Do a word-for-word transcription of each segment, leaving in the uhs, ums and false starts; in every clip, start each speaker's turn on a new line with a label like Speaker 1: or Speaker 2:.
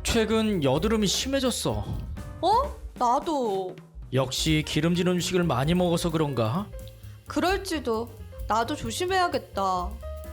Speaker 1: 최근 여드름이 심해졌어.
Speaker 2: 어? 나도.
Speaker 1: 역시 기름진 음식을 많이 먹어서 그런가?
Speaker 2: 그럴지도. 나도 조심해야겠다.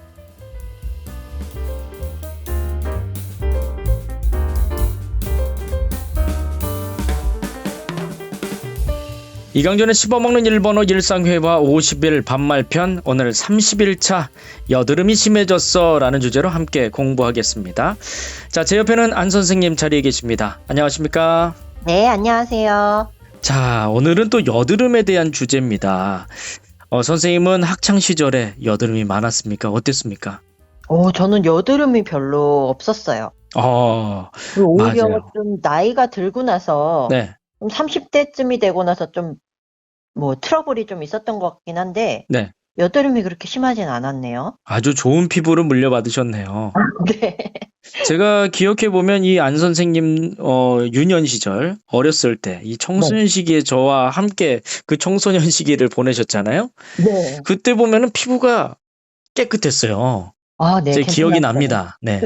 Speaker 1: 이강준의 씹어먹는 일본어 일상회화 오십 일 반말편, 오늘 삼십 일 차 여드름이 심해졌어 라는 주제로 함께 공부하겠습니다. 자, 제 옆에는 안 선생님 자리에 계십니다. 안녕하십니까?
Speaker 3: 네, 안녕하세요.
Speaker 1: 자, 오늘은 또 여드름에 대한 주제입니다. 어, 선생님은 학창 시절에 여드름이 많았습니까? 어땠습니까?
Speaker 3: 오, 저는 여드름이 별로 없었어요.
Speaker 1: 어,
Speaker 3: 그리고 오히려
Speaker 1: 맞아요.
Speaker 3: 좀 나이가 들고 나서
Speaker 1: 네,
Speaker 3: 좀 삼십 대쯤이 되고 나서 좀 뭐 트러블이 좀 있었던 것 같긴 한데
Speaker 1: 네.
Speaker 3: 여드름이 그렇게 심하진 않았네요.
Speaker 1: 아주 좋은 피부를 물려받으셨네요.
Speaker 3: 네.
Speaker 1: 제가 기억해보면 이 안 선생님 어, 유년 시절 어렸을 때 이 청소년 시기에 저와 함께 그 청소년 시기를 보내셨잖아요.
Speaker 3: 네.
Speaker 1: 그때 보면은 피부가 깨끗했어요.
Speaker 3: 아, 네,
Speaker 1: 제 기억이
Speaker 3: 괜찮았어요.
Speaker 1: 납니다. 네.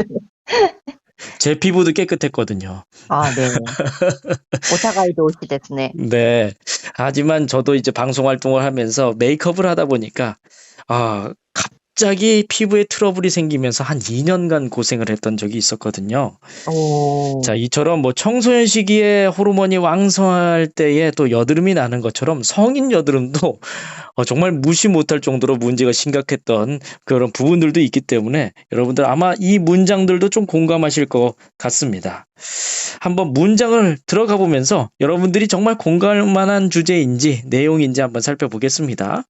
Speaker 1: 제 피부도 깨끗했거든요.
Speaker 3: 아, 네. 오타가이도 오시 데스네.
Speaker 1: 네. 하지만 저도 이제 방송 활동을 하면서 메이크업을 하다 보니까 아, 갑자기 피부에 트러블이 생기면서 한 이 년간 고생을 했던 적이 있었거든요.
Speaker 3: 오.
Speaker 1: 자, 이처럼 뭐 청소년 시기에 호르몬이 왕성할 때에 또 여드름이 나는 것처럼 성인 여드름도 어, 정말 무시 못할 정도로 문제가 심각했던 그런 부분들도 있기 때문에 여러분들 아마 이 문장들도 좀 공감하실 것 같습니다. 한번 문장을 들어가 보면서 여러분들이 정말 공감할 만한 주제인지 내용인지 한번 살펴보겠습니다.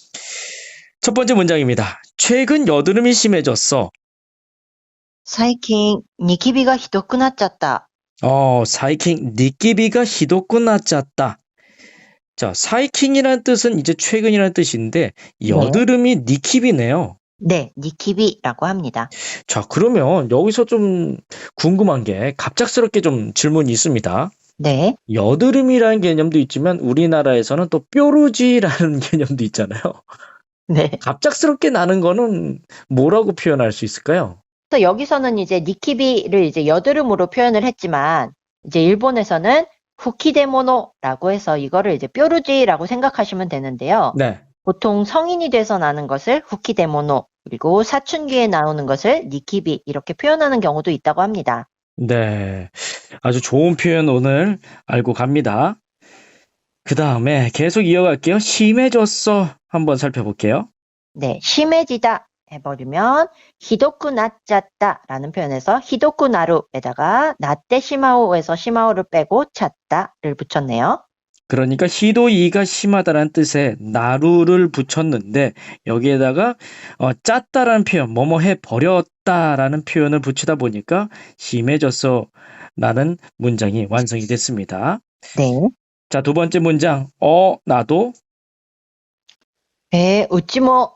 Speaker 1: 첫 번째 문장입니다. 최근 여드름이 심해졌어.
Speaker 3: 最近ニキビがひどくなっちゃった.
Speaker 1: 어, 사이킹 니끼비가 히도쿠 나짰다. 자, 사이킹이라는 뜻은 이제 최근이라는 뜻인데 여드름이 니키비네요.
Speaker 3: 네, 니키비라고 합니다.
Speaker 1: 자, 그러면 여기서 좀 궁금한 게 갑작스럽게 좀 질문이 있습니다.
Speaker 3: 네.
Speaker 1: 여드름이라는 개념도 있지만 우리나라에서는 또 뾰루지라는 개념도 있잖아요.
Speaker 3: 네.
Speaker 1: 갑작스럽게 나는 거는 뭐라고 표현할 수 있을까요?
Speaker 3: 그래서 여기서는 이제 니키비를 이제 여드름으로 표현을 했지만 이제 일본에서는 후키데모노라고 해서 이거를 이제 뾰루지라고 생각하시면 되는데요.
Speaker 1: 네.
Speaker 3: 보통 성인이 돼서 나는 것을 후키데모노, 그리고 사춘기에 나오는 것을 니키비 이렇게 표현하는 경우도 있다고 합니다.
Speaker 1: 네. 아주 좋은 표현 오늘 알고 갑니다. 그 다음에 계속 이어갈게요. 심해졌어. 한번 살펴볼게요.
Speaker 3: 네, 심해지다 해버리면 히도쿠 나짰다 라는 표현에서 히도쿠 나루에다가 나떼 시마오에서 시마오를 빼고 찼다를 붙였네요.
Speaker 1: 그러니까 히도이가 심하다라는 뜻에 나루를 붙였는데 여기에다가 어, 짰다라는 표현, 뭐뭐 해 버렸다라는 표현을 붙이다 보니까 심해졌어 라는 문장이 완성이 됐습니다.
Speaker 3: 네.
Speaker 1: 자, 두 번째 문장. 어, 나도.
Speaker 3: 에, 우찌모.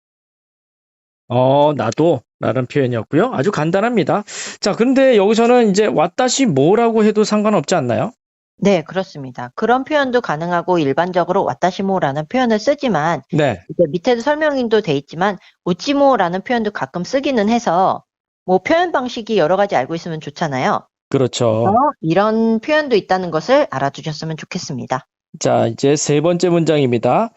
Speaker 1: 어, 나도 라는 표현이었고요. 아주 간단합니다. 자, 근데 여기서는 이제 왔다시 뭐라고 해도 상관없지 않나요?
Speaker 3: 네, 그렇습니다. 그런 표현도 가능하고 일반적으로 와타시모라는 표현을 쓰지만
Speaker 1: 네.
Speaker 3: 이제 밑에도 설명도 돼 있지만 우찌모라는 표현도 가끔 쓰기는 해서 뭐 표현 방식이 여러 가지 알고 있으면 좋잖아요.
Speaker 1: 그렇죠.
Speaker 3: 그래서 이런 표현도 있다는 것을 알아두셨으면 좋겠습니다.
Speaker 1: 자, 이제 세 번째 문장입니다.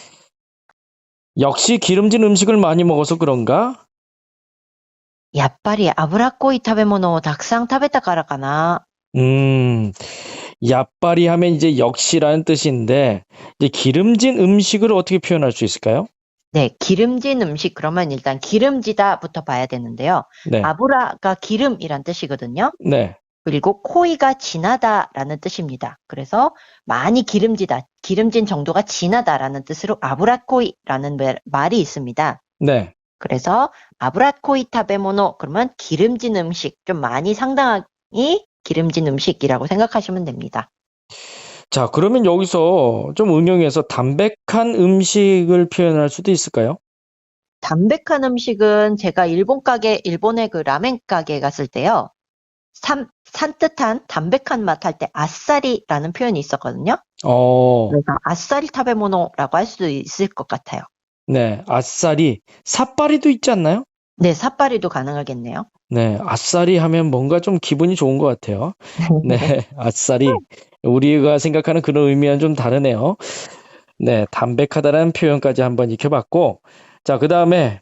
Speaker 1: 역시 기름진 음식을 많이 먹어서 그런가?
Speaker 3: やっぱり脂っこい食べ物をたくさん食べたからかな.
Speaker 1: 음, 야빠리 하면 이제 역시라는 뜻인데, 이제 기름진 음식을 어떻게 표현할 수 있을까요?
Speaker 3: 네, 기름진 음식 그러면 일단 기름지다부터 봐야 되는데요.
Speaker 1: 네.
Speaker 3: 아브라가 기름이란 뜻이거든요.
Speaker 1: 네.
Speaker 3: 그리고 코이가 진하다라는 뜻입니다. 그래서 많이 기름지다, 기름진 정도가 진하다라는 뜻으로 아브라코이라는 말이 있습니다.
Speaker 1: 네.
Speaker 3: 그래서 아브라코이 타베모노 그러면 기름진 음식, 좀 많이 상당히 기름진 음식이라고 생각하시면 됩니다.
Speaker 1: 자, 그러면 여기서 좀 응용해서 담백한 음식을 표현할 수도 있을까요?
Speaker 3: 담백한 음식은 제가 일본 가게, 일본의 그 라멘 가게 갔을 때요. 산, 산뜻한 담백한 맛 할 때 아싸리라는 표현이 있었거든요.
Speaker 1: 어,
Speaker 3: 그래서 아싸리 타베모노라고 할 수도 있을 것 같아요.
Speaker 1: 네. 아싸리, 삿바리도 있지 않나요?
Speaker 3: 네, 삿바리도 가능하겠네요.
Speaker 1: 네, 아싸리 하면 뭔가 좀 기분이 좋은 것 같아요. 네, 아싸리. 우리가 생각하는 그런 의미와는 좀 다르네요. 네, 담백하다라는 표현까지 한번 익혀봤고, 자, 그 다음에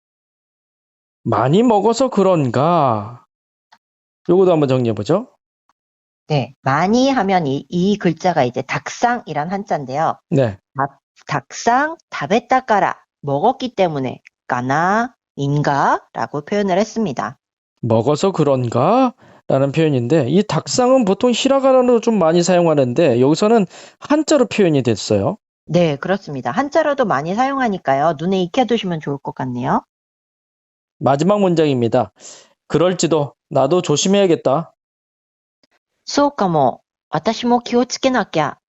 Speaker 1: 많이 먹어서 그런가? 요것도 한번 정리해보죠.
Speaker 3: 네, 많이 하면 이, 이 글자가 이제 닭상이란 한자인데요.
Speaker 1: 네,
Speaker 3: 닭, 닭상 다베타까라 먹었기 때문에 까나 인가 라고 표현을 했습니다.
Speaker 1: 먹어서 그런가? 라는 표현인데, 이 닭상은 보통 히라가나로 좀 많이 사용하는데, 여기서는 한자로 표현이 됐어요.
Speaker 3: 네, 그렇습니다. 한자로도 많이 사용하니까요. 눈에 익혀두시면 좋을 것 같네요.
Speaker 1: 마지막 문장입니다. 그럴지도 나도 조심해야겠다.
Speaker 3: そうかも。私も気をつけなきゃ。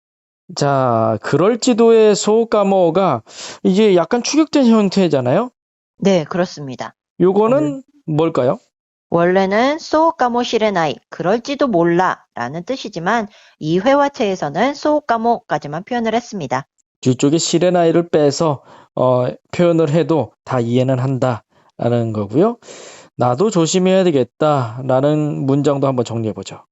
Speaker 1: 자, 그럴지도의 소까모가 이게 약간 축약된 형태잖아요.
Speaker 3: 네, 그렇습니다.
Speaker 1: 요거는 뭘까요?
Speaker 3: 원래는 そうかもしれない, 그럴지도 몰라 라는 뜻이지만 이 회화체에서는 そうかも까지만 표현을 했습니다.
Speaker 1: 뒤쪽에 시레나이를 빼서 어, 표현을 해도 다 이해는 한다라는 거고요. 나도 조심해야 되겠다라는 문장도 한번 정리해 보죠.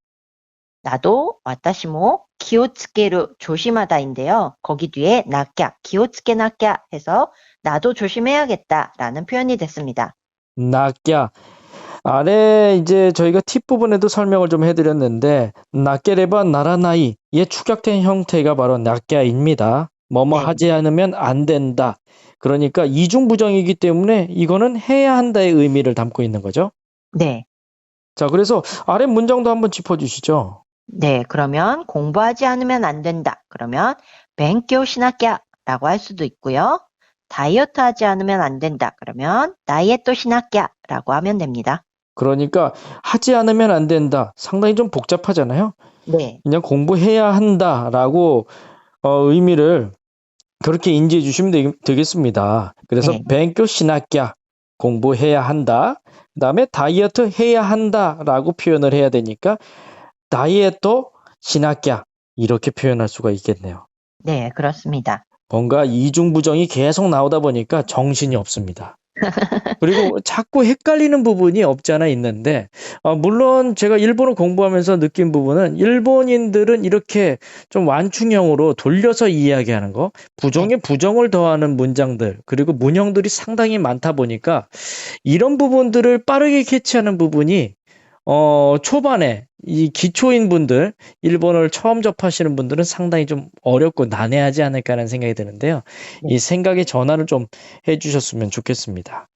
Speaker 3: 나도 私も 기오츠케루 조심하다인데요. 거기 뒤에 나꺄, 기오츠케 나꺄 해서 나도 조심해야겠다 라는 표현이 됐습니다.
Speaker 1: 나꺄. 아래 이제 저희가 팁 부분에도 설명을 좀 해드렸는데 나깨레바 나라나이 의 축약된 형태가 바로 나꺄입니다. 뭐뭐
Speaker 3: 네.
Speaker 1: 하지 않으면 안 된다. 그러니까 이중부정이기 때문에 이거는 해야 한다의 의미를 담고 있는 거죠.
Speaker 3: 네.
Speaker 1: 자, 그래서 아래 문장도 한번 짚어주시죠.
Speaker 3: 네, 그러면 공부하지 않으면 안 된다. 그러면 벤교 시나꺄 라고 할 수도 있고요. 다이어트 하지 않으면 안 된다. 그러면 다이에토 시나꺄 라고 하면 됩니다.
Speaker 1: 그러니까 하지 않으면 안 된다. 상당히 좀 복잡하잖아요.
Speaker 3: 네.
Speaker 1: 그냥 공부해야 한다라고 어, 의미를 그렇게 인지해 주시면 되, 겠습니다 그래서
Speaker 3: 네.
Speaker 1: 뱅교 시나꺄 공부해야 한다. 그다음에 다이어트 해야 한다라고 표현을 해야 되니까 다이에토 시나꺄 이렇게 표현할 수가 있겠네요.
Speaker 3: 네, 그렇습니다.
Speaker 1: 뭔가 이중부정이 계속 나오다 보니까 정신이 없습니다. 그리고 자꾸 헷갈리는 부분이 없지 않아 있는데, 어, 물론 제가 일본어 공부하면서 느낀 부분은 일본인들은 이렇게 좀 완충형으로 돌려서 이야기하는 거, 부정에 부정을 더하는 문장들, 그리고 문형들이 상당히 많다 보니까 이런 부분들을 빠르게 캐치하는 부분이 어, 초반에 이 기초인 분들, 일본어를 처음 접하시는 분들은 상당히 좀 어렵고 난해하지 않을까 하는 생각이 드는데요.
Speaker 3: 네.
Speaker 1: 이 생각의 전환을 좀 해주셨으면 좋겠습니다.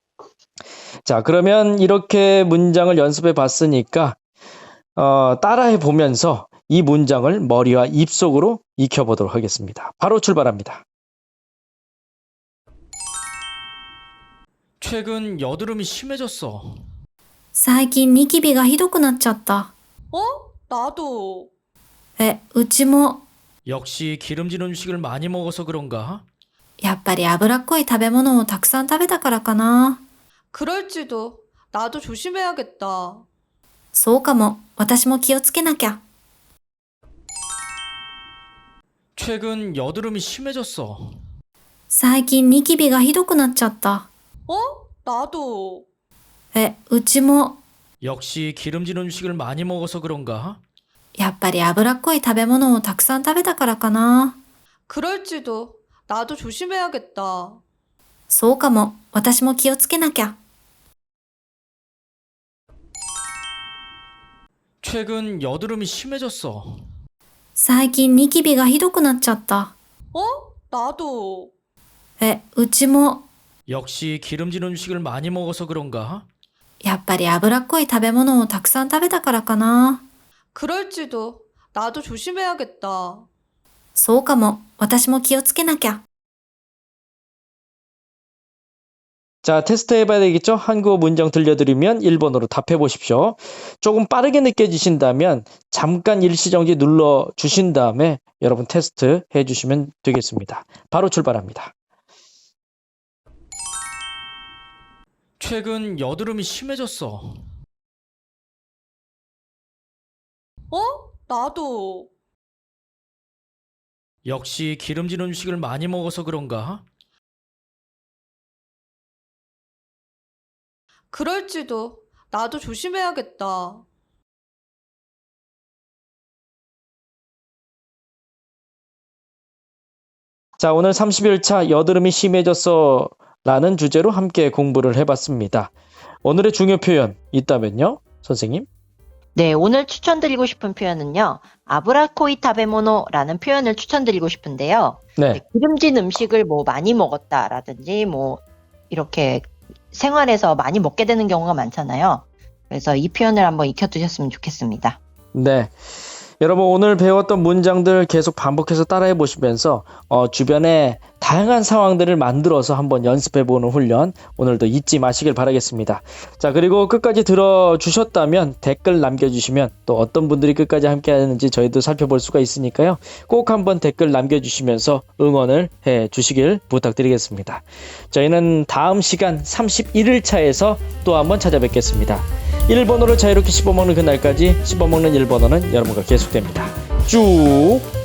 Speaker 1: 자, 그러면 이렇게 문장을 연습해 봤으니까, 어, 따라해 보면서 이 문장을 머리와 입속으로 익혀보도록 하겠습니다. 바로 출발합니다. 최근 여드름이 심해졌어.
Speaker 4: 最近ニキビがひどくなっちゃった。
Speaker 2: 어? 나도.
Speaker 4: え、うちも、
Speaker 1: 역시 기름진 음식을 많이 먹어서 그런가?
Speaker 4: やっぱり脂っこい食べ物をたくさん食べたからかな。
Speaker 2: 그럴지도. 나도 조심해야겠다.
Speaker 4: そうかも。私も気をつけなきゃ。
Speaker 1: 최근 여드름이 심해졌어.
Speaker 4: 最近ニキビがひどくなっちゃった。
Speaker 2: 어? 나도.
Speaker 4: え、うちも、
Speaker 1: 역시 기름진 음식을 많이 먹어서 그런가?
Speaker 4: やっぱり脂っこい食べ物をたくさん食べたからかな。
Speaker 2: 그럴지도. 나도 조심해야겠다.
Speaker 4: そうかも。私も気をつけなきゃ。
Speaker 1: 최근 여드름이 심해졌어.
Speaker 4: 最近ニキビがひどくなっちゃった。
Speaker 2: 어? 나도.
Speaker 4: え、うちも、
Speaker 1: 역시 기름진 음식을 많이 먹어서 그런가?
Speaker 4: やっぱり脂っこい食べ物をたくさん食べたからかな。
Speaker 2: 그럴지도. 나도 조심해야겠다.
Speaker 4: そうかも。私も気をつけなきゃ。
Speaker 1: 자, 테스트 해봐야 되겠죠? 한국어 문장 들려드리면 일본어로 답해 보십시오. 조금 빠르게 느껴지신다면 잠깐 일시정지 눌러 주신 다음에 여러분 테스트 해주시면 되겠습니다. 바로 출발합니다. 최근 여드름이 심해졌어.
Speaker 2: 어? 나도.
Speaker 1: 역시 기름진 음식을 많이 먹어서 그런가?
Speaker 2: 그럴지도. 나도 조심해야겠다.
Speaker 1: 자, 오늘 삼십일 차 여드름이 심해졌어 라는 주제로 함께 공부를 해봤습니다. 오늘의 중요 표현 있다면요, 선생님?
Speaker 3: 네, 오늘 추천드리고 싶은 표현은요. 아브라코이 타베모노라는 표현을 추천드리고 싶은데요.
Speaker 1: 네.
Speaker 3: 기름진 음식을 뭐 많이 먹었다라든지 뭐 이렇게 생활에서 많이 먹게 되는 경우가 많잖아요. 그래서 이 표현을 한번 익혀두셨으면 좋겠습니다.
Speaker 1: 네. 여러분, 오늘 배웠던 문장들 계속 반복해서 따라해 보시면서 어, 주변에 다양한 상황들을 만들어서 한번 연습해 보는 훈련 오늘도 잊지 마시길 바라겠습니다. 자, 그리고 끝까지 들어주셨다면 댓글 남겨주시면 또 어떤 분들이 끝까지 함께 하는지 저희도 살펴볼 수가 있으니까요. 꼭 한번 댓글 남겨주시면서 응원을 해 주시길 부탁드리겠습니다. 저희는 다음 시간 삼십일 일 차에서 또 한번 찾아뵙겠습니다. 일본어를 자유롭게 씹어먹는 그날까지 씹어먹는 일본어는 여러분과 계속됩니다. 쭉